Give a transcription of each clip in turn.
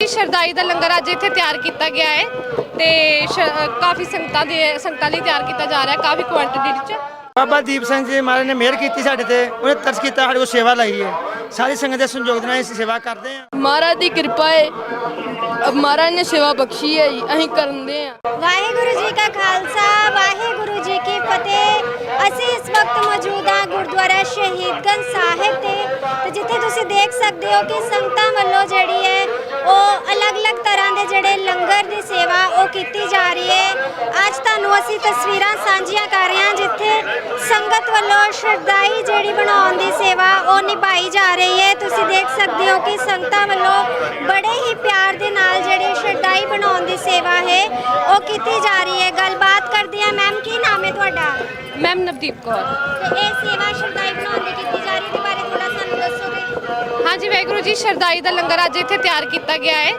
जी शरदाई का लंगर अज इत्थे तैयार किया गया है तो काफ़ी संगतां लई तैयार किया जा रहा है काफ़ी क्वांटिटी च। बाबा दीप सिंह जी महाराज ने मेहर की साढ़े ते उन्हें तरस किया साढ़े को सेवा लाई है सारी संगत के संयोग नाल असीं सेवा करते हैं। महाराज की कृपा है महाराज ने सेवा बख्शी है जी असीं करदे हैं। वाहिगुरु जी का खालसा वाहिगुरु जी की फतेह। असीं इस वक्त मौजूद हाँ गुरुद्वारा शहीदगंज साहिब ते जिथे तुसीं देख सकते हो कि संगतां वल्लों जिहड़ी है ਉਹ अलग-अलग तरह के जिहड़े लंगर की सेवा वो की जा रही है। अज तुहानूं असीं तस्वीरां साझीਆਂ कर रहे हैं जिथे संगत वल्लों शरदाई जिहड़ी बनाउण दी सेवा वो निभाई जा रही है। तुसीं देख सकते हो कि संगतां वल्लों बड़े ही प्यार दे नाल जिहड़ी शरदाई बनाउण दी सेवा है वो की जा रही है। गलबात करदे हां मैम की नाम है तुहाडा? मैम नवदीप कौर। ते इह सेवा शरदाई बनाउण दी कीती जा रही है बारे थोड़ा सानूं दस्सोगे? हाँ जी वाहिगुरू जी शरदाई का लंगर अज इत्थे तैयार किया गया है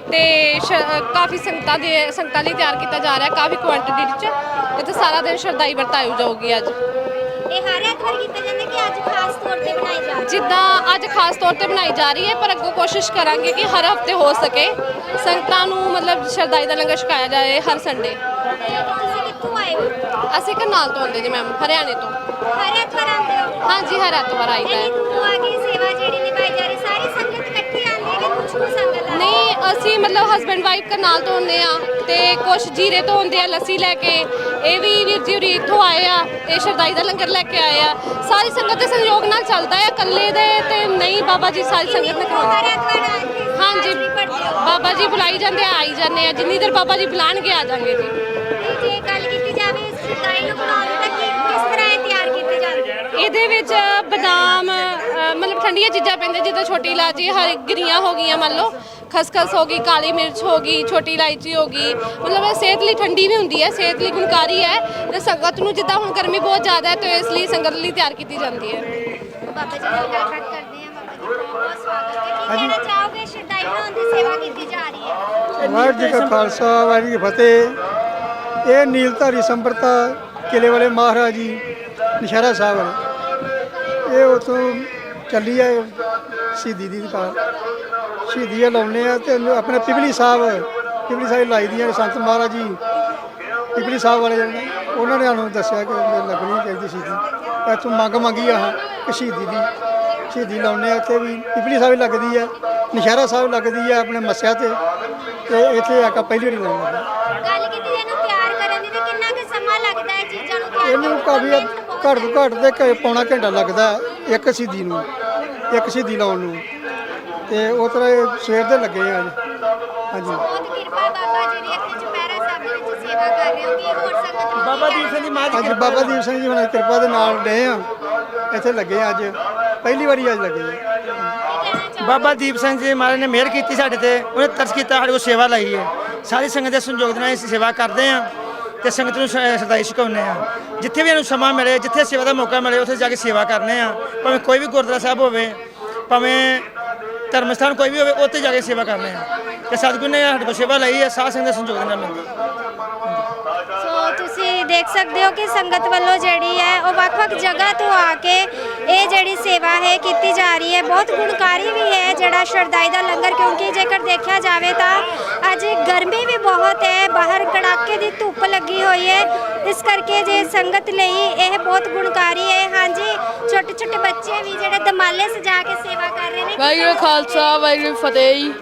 तो काफ़ी संगतां लई तैयार किया जा रहा है काफ़ी क्वांटिटी च। इत्थे सारा दिन शरदाई वरताई जाऊगी अज। ਇਹ ਹਰ ਐਤਵਾਰ ਕੀਤਾ ਜਾਂਦਾ ਕਿ ਅੱਜ ਖਾਸ ਤੌਰ ਤੇ ਬਣਾਈ ਜਾ ਰਹੀ ਹੈ? जिद्दां अज खास तौर पर बनाई जा रही है पर अगों कोशिश करांगे कि हर हफ्ते हो सके संगतां नूं मतलब शरदाई का लंगर छकाया जाए हर संडे। ਤੁਸੀਂ ਕਿੱਥੋਂ ਆਏ ਹੋ? ਅਸੀਂ करनाल तो आते जी मैम हरियाणे तो। ਹਰ ਐਤਵਾਰ ਆਉਂਦੇ ਹੋ? हाँ जी हर एतवार आईदा है। ਇੰਨੀ ਦੂਰੋਂ ਆ ਕੇ ਸੇਵਾ ਜਿਹੜੀ ਨਿਭਾਈ ਜਾ ਰਹੀ ਸਾਰੀ ਸੰਗਤ ਇਕੱਠੀ ਆਉਂਦੀ ਹੈ ਕਿ ਕੁਝ ਕੁ ਸੰਗਤ ਆ? नहीं ਅਸੀਂ मतलब हसबैंड वाइफ करनाल तो आते हैं तो कुछ जीरे तो आते हैं लस्सी लैके ये भी वीर जी होरी इत्थों आए आ ते शरदाई का लंगर लैके आए आ। सारी संगत के सहयोग नाल चलता है कल्ले दे ते नहीं बाबा जी सारी संगत ने ਹਰ करवाउंदे। ਐਤਵਾਰ ਆ ਕੇ हाँ जी ਹਾਜ਼ਰੀ ਭਰਦੇ ਹੋ? बाबा जी बुलाई जाते हैं आई जाते हैं जिन्नी देर बाबा जी बुलाणगे आ जाएंगे जी। ਤੇ ਜੇ ਗੱਲ ਕੀਤੀ ਜਾਵੇ ਇਸ ਸ਼ਰਦਾਈ ਨੂੰ ਬਣਾਉਣ ਦੀ ਤਾਂ ਕਿਸ ਤਰ੍ਹਾਂ ਇਹ ਤਿਆਰ ਕੀਤੀ ਜਾਂਦੀ ਹੈ? ਇਹਦੇ ਵਿੱਚ ਬਦਾਮ ਮਤਲਬ ਠੰਡੀਆਂ ਚੀਜ਼ਾਂ ਪੈਂਦੇ ਜਿੱਦਾਂ ਛੋਟੀ ਇਲਾਚੀ ਹਰੀ ਗਿਰੀਆਂ ਹੋ ਗਈਆਂ ਮੰਨ ਲਓ ਖਸਖਸ ਹੋ ਗਈ ਕਾਲੀ ਮਿਰਚ ਹੋ ਗਈ ਛੋਟੀ ਇਲਾਇਚੀ ਹੋ ਗਈ ਮਤਲਬ ਇਹ ਸਿਹਤ ਲਈ ਠੰਡੀ ਵੀ ਹੁੰਦੀ ਹੈ ਸਿਹਤ ਲਈ ਗੁਣਕਾਰੀ ਹੈ ਤੇ ਸੰਗਤ ਨੂੰ ਜਿੱਦਾਂ ਹੁਣ ਗਰਮੀ ਬਹੁਤ ਜ਼ਿਆਦਾ ਹੈ ਤੇ ਇਸ ਲਈ ਸੰਗਤ ਲਈ ਤਿਆਰ ਕੀਤੀ ਜਾਂਦੀ ਹੈ। ਬਾਬਾ ਜੀ ਨਾਲ ਗੱਲਬਾਤ ਕਰਦੇ ਹਾਂ। ਬਾਬਾ ਜੀ ਬਹੁਤ ਬਹੁਤ ਸਵਾਗਤ ਹੈ। ਕੀ ਕਹਿਣਾ ਚਾਹੋਗੇ ਸ਼ਰਦਾਈ ਬਣਾਉਣ ਦੀ ਸੇਵਾ ਕੀਤੀ ਜਾ ਰਹੀ ਹੈ? ਵਾਹਿਗੁਰੂ ਜੀ ਕਾ ਖਾਲਸਾ ਵਾਹਿਗੁਰੂ ਜੀ ਕੀ ਫਤਿਹ। ਇਹ ਨੀਲਧਾਰੀ ਸੰਪਰਤਾ ਕਿਲੇ ਵਾਲੇ ਮਹਾਰਾਜ ਜੀ ਨਸ਼ਹਿਰਾ ਸਾਹਿਬ ਵਾਲੇ ਇਹ ਉਤੋਂ ਚੱਲੀ ਹੈ ਸ਼ਹੀਦੀ ਦੀ ਦੁਕਾਨ ਸ਼ਹੀਦੀਆਂ ਲਾਉਂਦੇ ਆ ਤੇ ਆਪਣੇ ਪਿਪਲੀ ਸਾਹਿਬ ਲਾਈ ਦੀਆਂ ਸੰਤ ਮਹਾਰਾਜ ਜੀ ਪਿਪਲੀ ਸਾਹਿਬ ਵਾਲੇ ਜਿਹੜੇ ਉਹਨਾਂ ਨੇ ਸਾਨੂੰ ਦੱਸਿਆ ਕਿ ਲੱਗਣੀ ਚਾਹੀਦੀ ਸ਼ਹੀਦੀ ਇੱਥੋਂ ਮੰਗ ਮੰਗੀ ਆ ਕਿ ਸ਼ਹੀਦੀ ਲਾਉਂਦੇ ਆ ਇੱਥੇ ਵੀ ਪਿਪਲੀ ਸਾਹਿਬ ਲੱਗਦੀ ਆ ਨਸ਼ਹਿਰਾ ਸਾਹਿਬ ਲੱਗਦੀ ਆ ਆਪਣੇ ਮੱਸਿਆ ਤੇ ਇੱਥੇ ਆ ਕੇ ਪਹਿਲੀ ਵਾਰੀ ਲਾਉਂਦੇ ਗੱਲ ਕੀਤੀ ਇਹਨੂੰ ਤਿਆਰ ਕਰਨ ਦੀ ਤੇ ਕਿੰਨਾ ਕੁ ਸਮਾਂ ਲੱਗਦਾ ਹੈ ਚੀਜ਼ਾਂ ਨੂੰ ਤਿਆਰ ਇਹਨੂੰ ਕਾਫੀ ਘੱਟ ਤੋਂ ਘੱਟ ਤੇ ਪੌਣਾ ਘੰਟਾ ਲੱਗਦਾ ਇੱਕ ਸ਼ਹੀਦੀ ਲਾਉਣ ਨੂੰ ਤੇ ਉਹ ਤਰ੍ਹਾਂ ਸਵੇਰ ਦੇ ਲੱਗੇ ਆ ਅੱਜ। ਹਾਂਜੀ ਬਹੁਤ ਕਿਰਪਾ ਬਾਬਾ ਜੀ ਦੀ ਇੱਥੇ ਚੁਪਹਿਰਾ ਸਾਹਿਬ ਦੇ ਵਿੱਚ ਸੇਵਾ ਕਰ ਰਹੇ ਹੋ ਕਿ ਹੋਰ ਸੰਗਤ ਨੂੰ ਬਾਬਾ ਦੀਪ ਸਿੰਘ ਜੀ ਮਹਾਰਾਜ ਅੱਜ ਬਾਬਾ ਦੀਪ ਸਿੰਘ ਜੀ ਹੁਣਾਂ ਦੀ ਕਿਰਪਾ ਦੇ ਨਾਲ ਡਏ ਆ ਇੱਥੇ ਲੱਗੇ ਆ ਅੱਜ ਪਹਿਲੀ ਵਾਰੀ ਅੱਜ ਲੱਗੇ ਆ। ਬਾਬਾ ਦੀਪ ਸਿੰਘ ਜੀ ਮਹਾਰਾਜ ਨੇ ਮਿਹਰ ਕੀਤੀ ਸਾਡੇ ਤੇ ਉਹਨੇ ਤਰਸ ਕੀਤਾ ਸਾਡੇ ਕੋਲ ਸੇਵਾ ਲਈ ਹੈ ਸਾਰੀ ਸੰਗਤ ਦੇ ਸੰਯੋਗ ਨਾਲ ਅਸੀਂ ਸੇਵਾ ਕਰਦੇ ਹਾਂ ਤੇ ਸੰਗਤ ਨੂੰ ਸ਼ਰਦਾਈ ਛਕਾਉਂਦੇ ਆ ਜਿੱਥੇ ਵੀ ਇਹਨੂੰ ਸਮਾਂ ਮਿਲੇ ਜਿੱਥੇ ਸੇਵਾ ਦਾ ਮੌਕਾ ਮਿਲੇ ਉੱਥੇ ਜਾ ਕੇ ਸੇਵਾ ਕਰਨੇ ਆ ਭਾਵੇਂ ਕੋਈ ਵੀ ਗੁਰਦੁਆਰਾ ਸਾਹਿਬ ਹੋਵੇ ਭਾਵੇਂ ਧਰਮ ਸਥਾਨ ਕੋਈ ਵੀ ਹੋਵੇ ਉੱਥੇ ਜਾ ਕੇ ਸੇਵਾ ਕਰਨੇ ਆ ਤੇ ਸਤਿਗੁਰੂ ਨੇ ਸਾਡੇ ਕੋਲ ਸੇਵਾ ਲਈ ਹੈ ਸਾਧ ਸੰਗਤ ਦੇ ਸੰਯੋਗ ਨਾਲ ਮਿਲਦੀ। ਸੋ ਤੁਸੀਂ ਦੇਖ ਸਕਦੇ ਹੋ ਕਿ ਸੰਗਤ ਵੱਲੋਂ ਜਿਹੜੀ ਹੈ ਉਹ ਵੱਖ-ਵੱਖ ਜਗ੍ਹਾ ਤੋਂ ਆ ਕੇ ਇਹ ਜਿਹੜੀ ਸੇਵਾ ਹੈ ਕੀਤੀ ਜਾ ਰਹੀ ਹੈ। ਬਹੁਤ ਗੁਣਕਾਰੀ ਵੀ ਹੈ ਜਿਹੜਾ ਸ਼ਰਦਾਈ ਦਾ ਲੰਗਰ ਕਿਉਂਕਿ ਜੇਕਰ ਦੇਖਿਆ ਜਾਵੇ ਤਾਂ ਅੱਜ ਗਰਮੀ ਵੀ ਬਹੁਤ ਹੈ ਬਾਹਰ ਕੜਾਕੇ ਦੀ ਧੁੱਪ ਲੱਗੀ ਹੋਈ ਹੈ ਇਸ ਕਰਕੇ ਜੇ ਸੰਗਤ ਲਈ ਇਹ ਬਹੁਤ ਗੁਣਕਾਰੀ ਹੈ। ਹਾਂਜੀ ਛੋਟੇ ਛੋਟੇ ਬੱਚੇ ਵੀ ਜਿਹੜੇ ਦਮਾਲੇ ਸਜਾ ਕੇ ਸੇਵਾ ਕਰ ਰਹੇ ਨੇ। ਵਾਹਿਗੁਰੂ ਖਾਲਸਾ ਵਾਹਿਗੁਰੂ ਫਤਿਹ ਜੀ।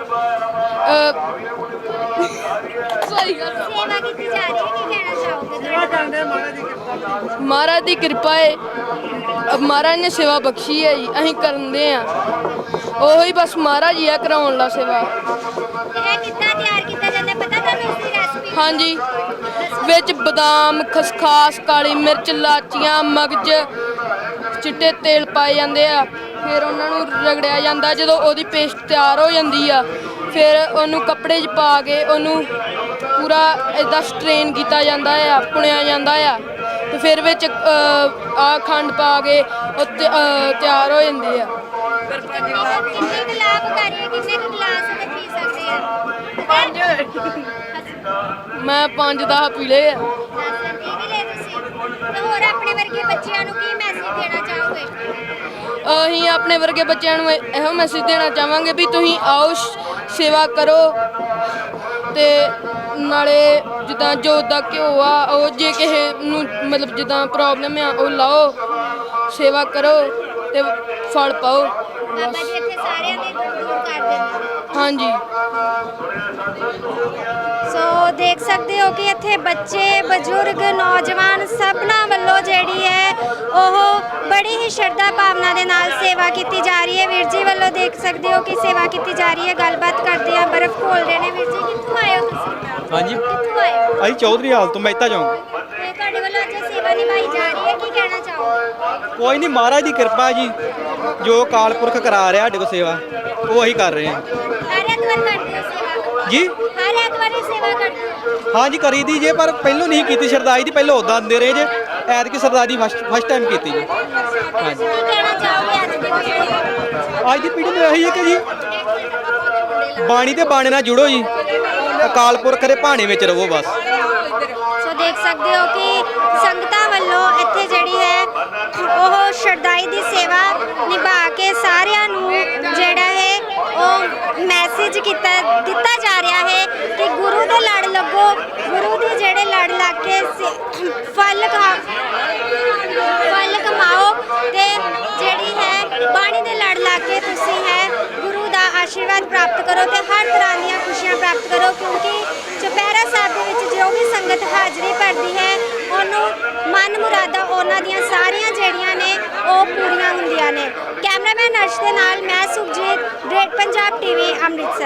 ਸਹੀ ਗੱਲ ਸੇਵਾ ਕੀਤੀ ਜਾ ਰਹੀ ਹੈ ਕੀ ਕਹਿਣਾ ਚਾਹੋਗੇ? ਮਹਾਰਾਜ ਦੀ ਕਿਰਪਾ ਹੈ ਮਹਾਰਾਜ ਨੇ ਸੇਵਾ ਬਖਸ਼ੀ ਹੈ ਜੀ ਅਸੀਂ ਕਰਦੇ ਆ ਉਹੀ ਬਸ ਮਹਾਰਾਜ ਹੀ ਆ ਕਰਾਉਣ ਲਾ ਸੇਵਾ। ਇਹ ਕਿੱਦਾਂ ਤਿਆਰ ਕੀਤਾ ਜਾਂਦਾ ਪਤਾ ਤੁਹਾਨੂੰ ਇਸ ਦੀ ਰੈਸਪੀ? ਹਾਂਜੀ ਵਿੱਚ ਬਦਾਮ ਖਸਖਾਸ ਕਾਲੀ ਮਿਰਚ ਲਾਚੀਆਂ ਮਗਜ ਚਿੱਟੇ ਤੇਲ ਪਾਏ ਜਾਂਦੇ ਆ ਫਿਰ ਉਹਨਾਂ ਨੂੰ ਰਗੜਿਆ ਜਾਂਦਾ ਜਦੋਂ ਉਹਦੀ ਪੇਸਟ ਤਿਆਰ ਹੋ ਜਾਂਦੀ ਆ ਫਿਰ ਉਹਨੂੰ ਕੱਪੜੇ 'ਚ ਪਾ ਕੇ ਉਹਨੂੰ ਪੂਰਾ ਇਦਾਂ ਸਟ੍ਰੇਨ ਕੀਤਾ ਜਾਂਦਾ ਆ ਪੁਣਿਆ ਜਾਂਦਾ ਆ ਤੇ ਫਿਰ ਵਿੱਚ ਆ ਖੰਡ ਪਾ ਕੇ ਉਹ ਤਿਆਰ ਹੋ ਜਾਂਦੇ ਆ। ਕਿੰਨੇ ਕੁ ਲਾਭਕਾਰੀ ਹੈ ਕਿੰਨੇ ਕੁ ਗਲਾਸ ਤੇ ਪੀ ਸਕਦੇ ਆ? ਮੈਂ 5-10 ਪੀ ਲਏ ਆ। 10 ਪੀ ਵੀ ਲਏ ਤੁਸੀਂ ਤੇ ਹੋਰ ਆਪਣੇ ਵਰਗੇ ਬੱਚਿਆਂ ਨੂੰ ਕੀ ਮੈਸੇਜ ਦੇਣਾ ਚਾਹੋਗੇ? ਅਸੀਂ ਆਪਣੇ ਵਰਗੇ ਬੱਚਿਆਂ ਨੂੰ ਇਹੋ ਮੈਸੇਜ ਦੇਣਾ ਚਾਹਾਂਗੇ ਵੀ ਤੁਸੀਂ ਆਓ ਸੇਵਾ ਕਰੋ ਤੇ ਨਾਲੇ ਜਿੱਦਾਂ ਜੋਤ ਦਾ ਘਿਓ ਆ ਉਹ ਜੇ ਕਿਸੇ ਨੂੰ ਮਤਲਬ ਜਿੱਦਾਂ ਪ੍ਰੋਬਲਮ ਆ ਉਹ ਲਾਓ, ਸੇਵਾ ਕਰੋ ਤੇ ਫਲ ਪਾਓ। ਬਾਬਾ ਜੀ ਇੱਥੇ ਸਾਰਿਆਂ ਦੇ ਦੁੱਖ ਦੂਰ ਕਰ ਦਿੰਦੇ। ਹਾਂਜੀ। ਸੋ ਦੇਖ ਸਕਦੇ ਹੋ ਕਿ ਇੱਥੇ ਬੱਚੇ, ਬਜ਼ੁਰਗ, ਨੌਜਵਾਨ ਸਭਨਾਂ ਵੱਲੋਂ ਜਿਹੜੀ ਹੈ ਉਹ ਬੜੀ ਹੀ ਸ਼ਰਧਾ ਭਾਵਨਾ ਦੇ ਨਾਲ ਸੇਵਾ ਕੀਤੀ ਜਾ ਰਹੀ ਹੈ। ਵੀਰ ਜੀ ਵੱਲੋਂ ਦੇਖ ਸਕਦੇ ਹੋ ਕਿ ਸੇਵਾ ਕੀਤੀ ਜਾ ਰਹੀ ਹੈ। ਗੱਲਬਾਤ ਕਰਦੇ ਆ, ਬਰਫ਼ ਖੋਲ ਰਹੇ ਨੇ। ਵੀਰ ਜੀ ਕਿੱਥੋਂ ਆਏ ਹੋ ਤੁਸੀਂ? ਹਾਂਜੀ, ਕਿੱਥੋਂ ਆਏ ਹੋ? ਅਸੀਂ ਚੌਧਰੀ ਹਾਲ ਤੋਂ ਮਹਿਤਾ ਚੌਂਕ। ਤੇ ਤੁਹਾਡੇ ਵੱਲੋਂ ਅੱਜ ਸੇਵਾ ਨਿਭਾਈ ਜਾ ਰਹੀ ਹੈ, ਕੀ ਕਹਿਣਾ ਚਾਹੋਗੇ? ਕੋਈ ਨਹੀਂ, ਮਹਾਰਾਜ ਦੀ ਕਿਰਪਾ ਜੀ, ਜੋ ਅਕਾਲ ਪੁਰਖ ਕਰਾ ਰਿਹਾ ਸਾਡੇ ਕੋਲ ਸੇਵਾ ਉਹ ਅਸੀਂ ਕਰ ਰਹੇ ਹਾਂ ਹਰ ਐਤਵਾਰ ਕਰਦੇ ਹੋ ਸੇਵਾ? ਜੀ। ਹਰ ਐਤਵਾਰ ਹੀ ਸੇਵਾ ਕਰਦੇ ਹੋ? ਹਾਂਜੀ ਕਰੀ ਦੀ ਜੇ, ਪਰ ਪਹਿਲੋਂ ਨਹੀਂ ਕੀਤੀ ਸਰਦਾਈ ਦੀ, ਪਹਿਲੋਂ ਉਦਾਂ ਦਿੰਦੇ ਰਹੇ ਜੇ, ਐਤਕੀ ਸਰਦਾਈ ਦੀ ਫਸਟ ਟਾਈਮ ਕੀਤੀ ਜੀ। ਹਾਂਜੀ, ਕੀ ਕਹਿਣਾ ਚਾਹੋਗੇ ਅੱਜ ਦੀ ਪੀੜ੍ਹੀ? ਅੱਜ ਦੀ ਪੀੜ੍ਹੀ ਨੂੰ ਇਹੀ ਹੈ ਕਿ ਜੀ ਬਾਣੀ ਤੇ ਬਾਣੇ ਨਾਲ ਜੁੜੋ ਜੀ, ਅਕਾਲ ਪੁਰਖ ਦੇ ਭਾਣੇ ਵਿੱਚ ਰਹੋ ਬਸ। ਸੋ ਦੇਖ ਸਕਦੇ ਹੋ ਕਿ ਸੰਗਤਾਂ ਵੱਲੋਂ ਇੱਥੇ ਜਿਹੜੀ ਹੈ ਉਹ ਸ਼ਰਦਾਈ ਦੀ ਸੇਵਾ ਨਿਭਾ ਕੇ ਸਾਰਿਆਂ ਨੂੰ ਜਿਹੜਾ ਹੈ ਉਹ ਮੈਸੇਜ ਦਿੱਤਾ ਜਾ ਰਿਹਾ ਹੈ ਕਿ ਗੁਰੂ ਦੇ ਲੜ ਲੱਗੋ, ਗੁਰੂ ਦੇ ਜਿਹੜੇ ਲੜ ਲੱਗ ਕੇ ਫਲ ਕਮਾਓ ਤੇ ਜਿਹੜੀ ਹੈ ਬਾਣੀ ਦੇ ਲੜ ਲੱਗ ਕੇ ਤੁਸੀਂ ਹੈ ਗੁਰੂ ਦਾ ਆਸ਼ੀਰਵਾਦ ਪ੍ਰਾਪਤ ਕਰੋ ਤੇ ਹਰ ਤਰ੍ਹਾਂ ਦੀਆਂ ਖੁਸ਼ੀਆਂ ਪ੍ਰਾਪਤ ਕਰੋ, ਕਿਉਂਕਿ ਚੁਪਹਿਰਾ ਸਾਹਿਬ ਦੇ ਵਿੱਚ ਜੋ ਵੀ ਸੰਗਤ ਹਾਜ਼ਰੀ ਭਰਦੀ ਹੈ ਉਹਨੂੰ ਮਨ ਮੁਰਾਦਾਂ ਉਹਨਾਂ ਦੀਆਂ ਸਾਰੀਆਂ ਜਿਹੜੀਆਂ ਨੇ ਉਹ ਪੂਰੀਆਂ ਹੁੰਦੀਆਂ ਨੇ। ਕੈਮਰਾਮੈਨ ਅਰਸ਼ ਦੇ ਨਾਲ ਮੈਂ ਸੁਖਜੀਤ, ਗ੍ਰੇਟ ਪੰਜਾਬ ਟੀਵੀ, ਅੰਮ੍ਰਿਤਸਰ।